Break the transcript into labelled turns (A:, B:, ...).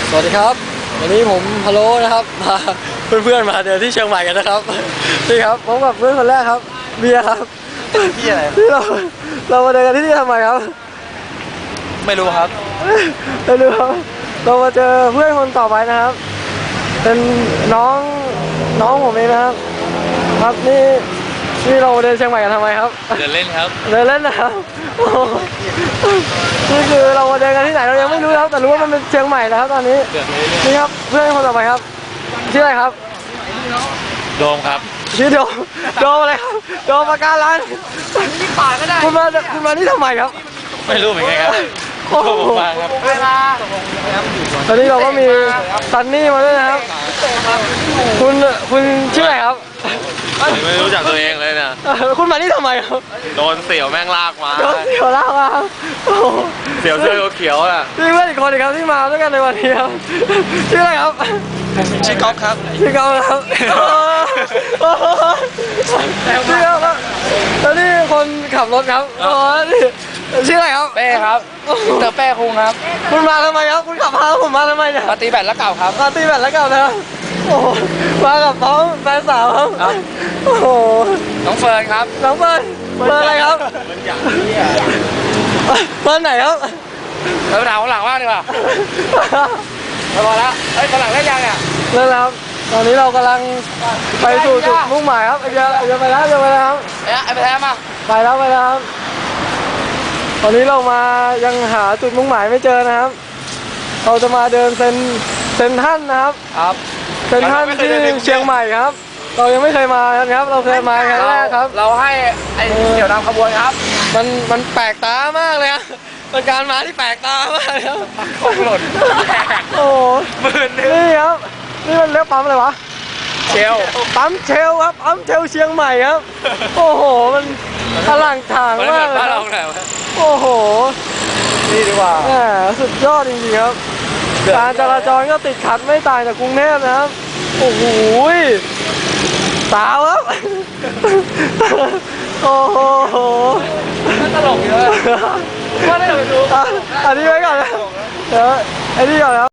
A: สวัสดีครับวันนี้ผมพะโล้นะครับพาเพื่อนๆมาเดินที่เชียงใหม่กันนะครับนี่ครับผมกับเพื่อนคนแรกครับเบียร์ครับ
B: ที่อะไร
A: ที่เรามาเดินกันที่นี่ทำไมครับ
B: ไม่รู้ครับ
A: ไม่รู้ครับเรามาเจอเพื่อนคนต่อไปนะครับเป็นน้องผมเองนะครับครับนี่เราเดินเชียงใหม่กันทำไมครับ
B: เดินเล่นครับ
A: เดินเล่นนะครับนี่คือเรามาเดินกันที่ไหนเรายังไม่รู้ครับแต่รู้ว่ามันเป็นเชียงใหม่นะครับตอนนี้นี่ครับเพื่อนคนต่อไปครับชื่ออะไรครับ
B: โดมครับ
A: ชื่อโดมอะไรครับโดมปากการังที่ป่าก็ได้คุณมานี่ทำไมครับ
B: ไม่รู้เหมือนกันครับโอ้โหมาครับ
A: ตอนนี้เราก็มีซันนี่มาด้วยนะครับคุณชื่ออะไรครับ
B: ไม่รู้จักตัวเองเลยนะ
A: คุณมานี่ทำไมครับ
B: โดนเสี่ยวแม่งลากมา
A: โดนเสี่ยวลากมา
B: เสี่ยวเสื้อเขียวอ่ะ
A: นี่เพื่อนอีกคนครับที่มาด้วยกันในวันนี้ครับชื่ออะไรครับ
B: ชื่อก๊อฟครับ
A: ชื่อก๊อฟครับชื่อก๊อฟครับแล้วนี่คนขับรถครับชื่ออะไรครับ
B: เป้ครับเตอร์เป้คุงครับ
A: คุณมาทำไมครับคุณขับพาผมมาทำไมเนี่ย
B: มาตีแบตแล้วเก่าครับ
A: มาตีแบตแล้วเก่านะโอ้มากับน้องแฟนสาวครับโอ้โห
B: น้องเฟิร์นครับ
A: น้องเฟิร์นอะไรครับเฟิร์นไหนครับ
B: เราถามคนหลังว่าดีกว่าพอแล้วเฮ้ยคนหลังได้ยังเนี่ย
A: เริ่มแล้วตอนนี้เรากำลังไปสู่จุดมุ่งหมายครับจะไปแล้วครับ
B: ไอ้ไปแท้มา
A: ไปแล้วครับตอนนี้เรามายังหาจุดมุ่งหมายไม่เจอนะครับเราจะมาเดินเซนท่านนะครับเซนท่านที่เชียงใหม่ครับเรายังไม่เคยมาครับเราเคยมาครั้งแรกครับ
B: เราให้ไอ้เดี่ยวนำขบวนครับ
A: มันแปลกตามากเลยครับเป็นการมาที่แปลกตามากครับ
B: ของหล่น
A: โอ้โหนี่ครับนี่มันเรียกปั๊มอะไรวะ
B: เชล
A: ปั๊มเชลครับปั๊มเชลเชียงใหม่ครับโอ้โหมันอลังการมากเลยโอ้โห
B: นี่ดีกว่า
A: สุดยอดจริงๆครับการจราจรก็ติดขัดไม่ต่างจากกรุงเทพนะครับโอ้โหสาวครับโอ้โห
B: ตลกเยอะว่าได้ไปดู
A: อันนี้ไว้ก่อนนะเดี๋ยวไอ้นี่ก่อนครับ